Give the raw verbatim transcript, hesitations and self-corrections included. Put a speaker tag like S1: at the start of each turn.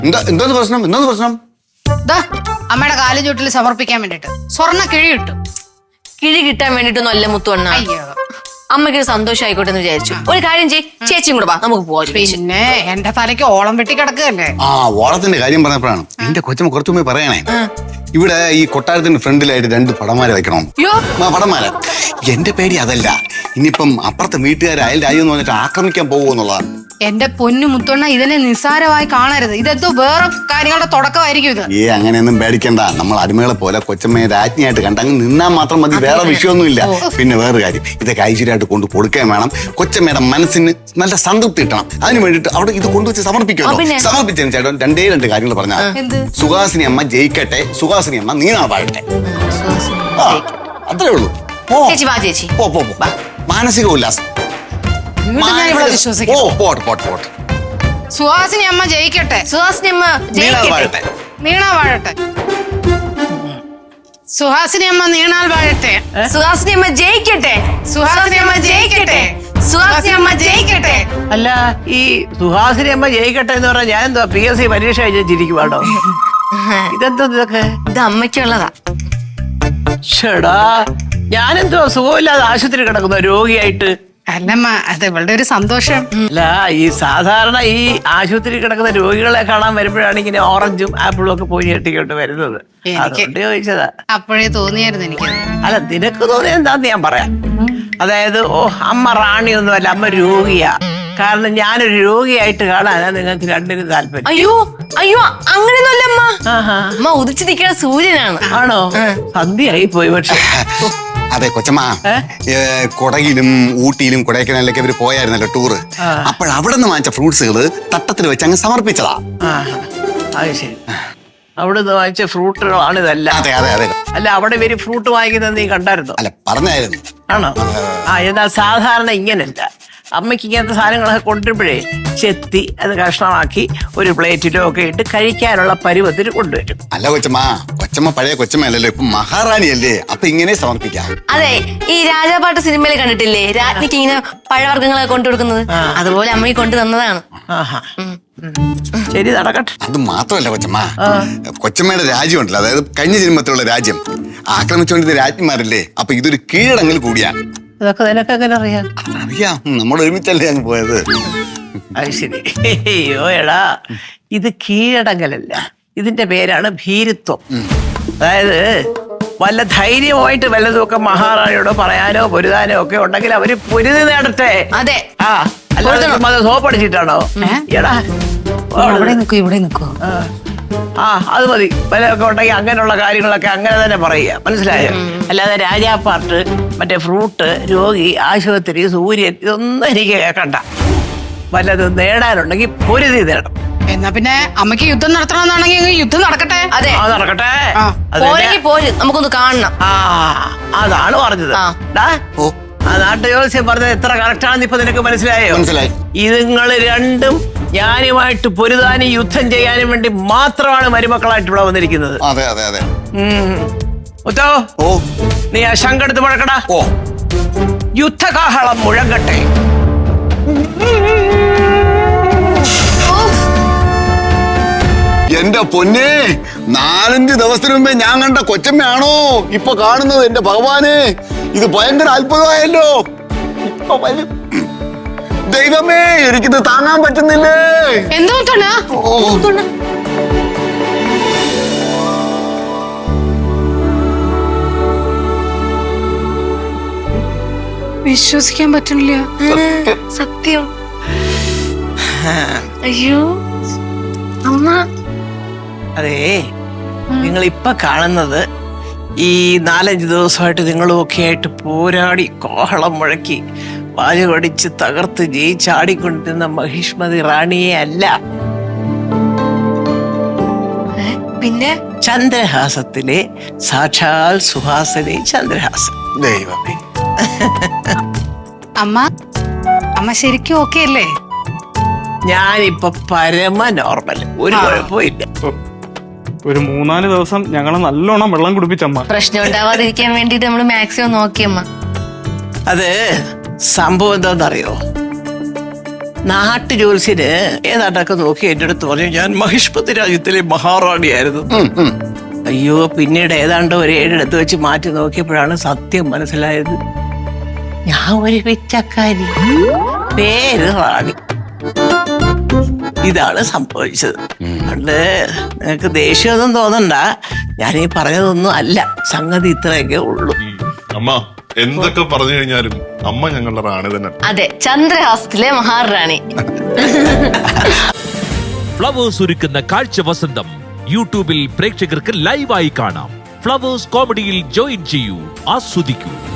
S1: എന്താ എന്തോന്ന് പ്രശ്നം എന്തോന്ന് പ്രശ്നം?
S2: അമ്മയുടെ കാലും ചുട്ടിൽ സമർപ്പിക്കാൻ വേണ്ടിട്ട് സ്വർണ്ണ കിഴി കിട്ടും.
S3: കിഴി കിട്ടാൻ വേണ്ടിട്ടൊന്നും അല്ല മുത്തുവണ്ണ.
S2: അയ്യോ,
S3: അമ്മയ്ക്ക് സന്തോഷം ആയിക്കോട്ടെ എന്ന് വിചാരിച്ചു. ഒരു കാര്യം ചെയ്യ്, ചേച്ചിയും കൂടെ വാ, നമുക്ക് പോവാം.
S2: പിന്നെ എന്റെ തലയ്ക്ക് ഓളം വെട്ടി കിടക്കുകയല്ലേ.
S1: ആ ഓളത്തിന്റെ കാര്യം പറഞ്ഞപ്പോഴാണ് എന്റെ കൊച്ചമ്മ കുറച്ചു മുമ്പേ പറയണേ, ഇവിടെ ഈ കൊട്ടാരത്തിന്റെ ഫ്രണ്ടിലായിട്ട് രണ്ട് പടമാരെ വെക്കണം. പടമാര എന്റെ പേടി അതല്ല, ഇനിയിപ്പം അപ്പുറത്തെ വീട്ടുകാർ അയൽ രാജ്യം എന്ന് പറഞ്ഞിട്ട് ആക്രമിക്കാൻ പോകുമെന്നുള്ളതാണ്.
S2: എന്റെ പൊന്നു മുത്തൊണ്ണ, ഇതിനെ നിസ്സാരമായി കാണരുത്. ഇതെന്തോ വേറെ കാര്യങ്ങളുടെ തുടക്കമായിരിക്കും ഇത്.
S1: ഏ അങ്ങനെയൊന്നും പേടിക്കണ്ട. നമ്മൾ അടിമകളെ പോലെ കൊച്ചമ്മയെ രാജ്ഞിയായിട്ട് കണ്ടങ്ങ് നിന്നാൽ മാത്രം മതി, വേറെ വിഷയമൊന്നുമില്ല. പിന്നെ വേറെ കാര്യം, ഇതൊക്കെ ഐശ്വര്യമായിട്ട് കൊണ്ട് കൊടുക്കാൻ വേണം. കൊച്ചമ്മയുടെ മനസ്സിന് നല്ല സംതൃപ്തി കിട്ടണം. അതിന് വേണ്ടിട്ട് അവിടെ ഇത് കൊണ്ടുവച്ച് സമർപ്പിക്കുമല്ലോ. സമർപ്പിച്ചതിന് ചേട്ടൻ രണ്ടേ രണ്ട് കാര്യങ്ങൾ പറഞ്ഞാൽ, സുഹാസിനി അമ്മ ജയിക്കട്ടെ, സുഹാസിനി അമ്മ നീനാ പാടട്ടെ. അത്രേ ഉള്ളൂ. പോ പോ പോ. മാനസിക ഉല്ലാസം.
S2: സുഹാസിനി അമ്മ ജയിക്കട്ടെ,
S3: സുഹാസിനി അമ്മ ജയിക്കട്ടെ,
S2: നീണാ വാഴട്ടെ. സുഹാസിനി അമ്മ നീണാൽ വാഴട്ടെ.
S3: സുഹാസിനി അമ്മ ജയിക്കട്ടെ,
S2: സുഹാസിനി അമ്മ ജയിക്കട്ടെ, സുഹാസിനി അമ്മ ജയിക്കട്ടെ.
S4: അല്ല, ഈ സുഹാസിനി അമ്മ ജയിക്കട്ടെ എന്ന് പറഞ്ഞാൽ ഞാൻ എന്തോ പി എസ് സി പരീക്ഷ എഴുതിച്ചിരിക്കുവാണോ? ഇതെന്തോ ഇതൊക്കെ?
S3: ഇത് അമ്മയ്ക്കുള്ളതാ.
S4: ചേടാ, ഞാനെന്തോ സുഖമില്ലാതെ ആശുപത്രി കിടക്കുന്ന രോഗിയായിട്ട്.
S2: അല്ലമ്മ, അത് ഇവളുടെ ഒരു സന്തോഷം.
S4: അല്ല, ഈ സാധാരണ ഈ ആശുപത്രി കിടക്കുന്ന രോഗികളെ കാണാൻ വരുമ്പോഴാണ് ഇങ്ങനെ ഓറഞ്ചും ആപ്പിളും ഒക്കെ പോയി ഞെട്ടിക്കൊണ്ട് വരുന്നത്. അതുകൊണ്ട് ചോദിച്ചതാ.
S2: അപ്പോഴേ തോന്നിയായിരുന്നു എനിക്ക്.
S4: അല്ല, നിനക്ക് തോന്നിയത് എന്താന്ന് ഞാൻ പറയാം. അതായത്, ഓ അമ്മ റാണിയൊന്നുമല്ല, അമ്മ രോഗിയാ. കാരണം ഞാനൊരു രോഗിയായിട്ട് കാണാനാ നിങ്ങൾക്ക് രണ്ടിനും താല്പര്യം.
S3: അയ്യോ അയ്യോ, അങ്ങനെയൊന്നുമല്ല അമ്മ. അമ്മ ഉദിച്ചു നിൽക്കുന്ന സൂര്യനാണ്.
S4: ആണോ? സന്ധ്യയായി പോയി. പക്ഷെ
S1: അതെ കൊച്ചമ്മ, കൊടകിലും ഊട്ടിയിലും കൊടൈക്കനാലിലൊക്കെ ഇവര് പോയായിരുന്നല്ലോ ടൂറ്. അപ്പോൾ അവിടെ നിന്ന് വാങ്ങിച്ച ഫ്രൂട്ട്സുകള് തട്ടത്തിൽ വെച്ച് അങ്ങ് സമർപ്പിച്ചതാ.
S4: അത് ശരി, അവിടെ നിന്ന് വാങ്ങിച്ച ഫ്രൂട്ടുകളാണ് ഇതെല്ലാം.
S1: അതെ അതെ അതെ.
S4: അല്ല, അവിടെ ഇവര് ഫ്രൂട്ട് വാങ്ങിക്കുന്നത് നീ കണ്ടായിരുന്നോ?
S1: അല്ല, പറഞ്ഞായിരുന്നു.
S4: ആണോ? ആ, എന്നാൽ സാധാരണ ഇങ്ങനല്ല. അമ്മയ്ക്ക് ഇങ്ങനത്തെ സാധനങ്ങളൊക്കെ കൊണ്ടുവരുമ്പോഴേ ചെത്തി അത് കഷ്ണമാക്കി ഒരു പ്ലേറ്റിലോ ഒക്കെ ഇട്ട് കഴിക്കാനുള്ള പരുവത്തിന് കൊണ്ടുവരും.
S1: അല്ല കൊച്ചമ്മ, കൊച്ചമ്മ പഴയ കൊച്ചമ്മയല്ലല്ലോ, ഇപ്പൊ മഹാറാണിയല്ലേ, അപ്പൊ ഇങ്ങനെ സമർപ്പിക്കാം.
S3: അതെ, ഈ രാജാപാട്ട് സിനിമയിൽ കണ്ടിട്ടില്ലേ, രാജ്ഞിക്ക് ഇങ്ങനെ പഴവർഗ്ഗങ്ങളെ കൊണ്ടു കൊടുക്കുന്നത്, അതുപോലെ അമ്മയ്ക്ക് കൊണ്ടു തന്നതാണ്.
S4: ശരി, നടക്കട്ടെ.
S1: അത് മാത്രമല്ല കൊച്ചമ്മ, കൊച്ചമ്മയുടെ രാജ്യം ഉണ്ടല്ലോ, അതായത് കഴിഞ്ഞ ജന്മത്തിലുള്ള രാജ്യം ആക്രമിച്ചുകൊണ്ടിരുന്ന രാജ്ഞിമാരല്ലേ, അപ്പൊ ഇതൊരു കീഴടങ്ങൽ കൂടിയാണ്.
S4: അതൊക്കെ നിനക്ക് എങ്ങനെ അറിയാം?
S1: അറിയാം, നമ്മൾ ഒരുമിച്ചല്ലേ അങ്ങ് പോയത്.
S4: അത് ശരി. അയ്യോ എടാ, ഇത് കീഴടങ്ങലല്ല, ഇതിന്റെ പേരാണ് ഭീരുത്വം. അതായത് വല്ല ധൈര്യമായിട്ട് വല്ലതുമൊക്കെ മഹാറാണിയോട് പറയാനോ പൊരുതാനോ ഒക്കെ ഉണ്ടെങ്കിൽ അവര് പൊരുതി നേടട്ടെ.
S3: അതെ.
S4: ആ, അല്ലാതെ സോപ്പടിച്ചിട്ടാണോ? എടാ,
S2: ഇവിടെ നിൽക്കൂ, ഇവിടെ നിൽക്കൂ.
S4: ആ, അത് മതി. വല്ലതൊക്കെ ഉണ്ടെങ്കിൽ അങ്ങനെയുള്ള കാര്യങ്ങളൊക്കെ അങ്ങനെ തന്നെ പറയുക, മനസ്സിലായോ? അല്ലാതെ രാജാപ്പാട്ട്, മറ്റേ ഫ്രൂട്ട്, രോഗി, ആശുപത്രി, സൂര്യൻ, ഇതൊന്നും എനിക്ക് കേൾക്കണ്ട. വല്ലതും നേടാനുണ്ടെങ്കിൽ പൊരുതി നേടണം.
S2: എന്നാ പിന്നെ അമ്മയ്ക്ക് യുദ്ധം നടത്തണമെന്നാണെങ്കിൽ യുദ്ധം നടക്കട്ടെ.
S3: അതെ,
S4: നടക്കട്ടെ.
S3: പോര്, നമുക്കൊന്ന് കാണണം.
S4: ആ, അതാണ് പറഞ്ഞത്. ആ നാട്ടുജോത്സ്യം പറഞ്ഞത് എത്ര കറക്റ്റാണെന്ന് ഇപ്പൊ നിനക്ക് മനസ്സിലായോ?
S1: മനസ്സിലായി.
S4: ഇതുങ്ങള് രണ്ടും ഞാനുമായിട്ട് പൊരുതാനും യുദ്ധം ചെയ്യാനും വേണ്ടി മാത്രമാണ് മരുമക്കളായിട്ട് ഇവിടെ വന്നിരിക്കുന്നത്.
S1: അതെ അതെ അതെ.
S4: മുത്തോ,
S1: ഓ
S4: നീ ആ ശങ്കെടുത്ത് മുഴക്കടാ.
S1: ഓ,
S4: യുദ്ധകാഹളം മുഴങ്ങട്ടെ.
S1: എന്റെ പൊന്നേ, നാലഞ്ച് ദിവസത്തിന് മുമ്പേ ഞാൻ കണ്ട കൊച്ചമ്മയാണോ ഇപ്പൊ കാണുന്നത്? എന്റെ ഭഗവാനെ, ഇത് ഭയങ്കര അത്ഭുതമായല്ലോ. ദൈവമേ, എനിക്കിത് താങ്ങാൻ പറ്റുന്നില്ലേ.
S2: എന്തോ വിശ്വസിക്കാൻ പറ്റുന്നില്ല.
S3: സത്യം. അയ്യോ അമ്മ.
S4: അതേ, നിങ്ങൾ ഇപ്പൊ കാണുന്നത് ഈ നാലഞ്ച് ദിവസമായിട്ട് നിങ്ങളും ഒക്കെ ആയിട്ട് പോരാടി കോഹളം മുഴക്കി വാലുകടിച്ച് തകർത്ത് ജയിച്ചാടിക്കൊണ്ടിരുന്ന മഹിഷ്മതി റാണിയെ അല്ല,
S3: പിന്നെ
S4: ചന്ദ്രഹാസത്തിലെ സാക്ഷാൽ സുഹാസിനി ചന്ദ്രഹാസൻ.
S1: ദൈവമേ.
S2: അമ്മ, അമ്മ ശരിക്കും ഓക്കെ അല്ലേ?
S4: ഞാനിപ്പൊ പരമ നോർമൽ, ഒരു കുഴപ്പമില്ല.
S5: ഒരു മൂന്നാല് ദിവസം ഞങ്ങളെ നല്ലോണം വെള്ളം കുടിപ്പിച്ചമ്മ.
S3: പ്രശ്നം ഉണ്ടാവാതിരിക്കാൻ വേണ്ടിട്ട് നമ്മള് മാക്സിമം നോക്കിയമ്മ.
S4: അത് സംഭവം എന്താണെന്നറിയോ? നാട്ടു ജോത്സ്യന് ഏതാണ്ടൊക്കെ നോക്കി എന്റെ അടുത്ത് പറഞ്ഞു ഞാൻ മഹിഷ്പതി രാജ്യത്തിലെ മഹാറാണിയായിരുന്നു. അയ്യോ പിന്നീട് ഏതാണ്ട് ഒരു ഏഴിടത്ത് വെച്ച് മാറ്റി നോക്കിയപ്പോഴാണ് സത്യം മനസ്സിലായത്. ഞാൻ ഒരു പിച്ചക്കാരി, പേര് റാണി. ഇതാണ് സംഭവിച്ചത്. അതുകൊണ്ട് നിങ്ങക്ക് ദേഷ്യമൊന്നും തോന്നണ്ട, ഞാൻ ഈ പറഞ്ഞതൊന്നും അല്ല, സംഗതി ഇത്രയൊക്കെ ഉള്ളൂ.
S6: അമ്മ എന്തൊക്കെ പറഞ്ഞു കഴിഞ്ഞാലും അമ്മ ഞങ്ങളുടെ റാണി തന്നെ.
S3: അതെ, ചന്ദ്രഹാസത്തിലെ മഹാറാണി.
S7: ഫ്ലവേഴ്സ് ഒരുക്കുന്ന കാഴ്ച വസന്തം യൂട്യൂബിൽ പ്രേക്ഷകർക്ക് ലൈവായി കാണാം. ഫ്ലവേഴ്സ് കോമഡിയിൽ ജോയിൻ ചെയ്യൂ, ആസ്വദിക്കൂ.